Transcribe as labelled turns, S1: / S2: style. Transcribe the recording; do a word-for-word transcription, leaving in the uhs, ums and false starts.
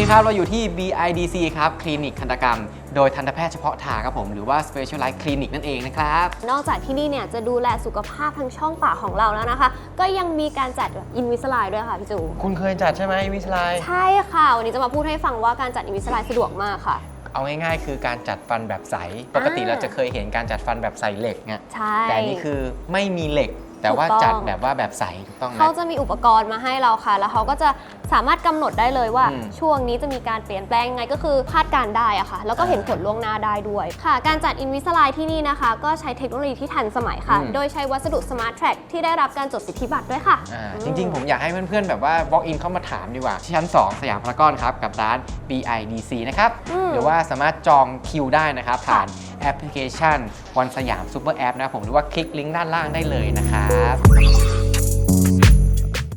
S1: ครับเราอยู่ที่ บี ไอ ดี ซี ครับคลินิกทันตกรรมโดยทันตแพทย์เฉพาะทางครับผมหรือว่า Specialized Clinic นั่นเองนะครับ
S2: นอกจากที่นี่เนี่ยจะดูแลสุขภาพทางช่องปากของเราแล้วนะคะก็ยังมีการจัดอินวิสไลด้วยค่ะพี่จู
S3: คุณเคยจัดใช่ไหมอินวิสไล
S2: ใช่ค่ะวันนี้จะมาพูดให้ฟังว่าการจัดอินวิสไลสะดวกมากค่ะ
S3: เอาง่ายๆคือการจัดฟันแบบใสปกติเราจะเคยเห็นการจัดฟันแบบใส่เหล็กไงแต่นี่คือไม่มีเหล็กแต่ว่าจัดแบบว่าแบบใสถูกต้องไหม
S2: เขาจะมีอุปกรณ์มาให้เราค่ะแล้วเขาก็จะสามารถกำหนดได้เลยว่าช่วงนี้จะมีการเปลี่ยนแปลงยังไงก็คือคาดการได้อะค่ะแล้วก็เห็นผลล่วงหน้าได้ด้วยค่ะการจัดอินวิสไลที่นี่นะคะก็ใช้เทคโนโลยีที่ทันสมัยค่ะโดยใช้วัสดุ Smart Track ที่ได้รับการจดสิทธิบัตรด้วยค่ะ
S1: จริงๆผมอยากให้เพื่อนๆแบบว่า walk in เข้ามาถามดีกว่าที่ชั้นสองสยามพารากอนครับกับร้าน บี ไอ ดี ซี นะครับหรือว่าสามารถจองคิวได้นะครับผ่านแอปพลิเคชันวันสยามซูเปอร์แอปนะผมหรือว่าคลิกลิงก์ด้านล่างได้เลยนะครับ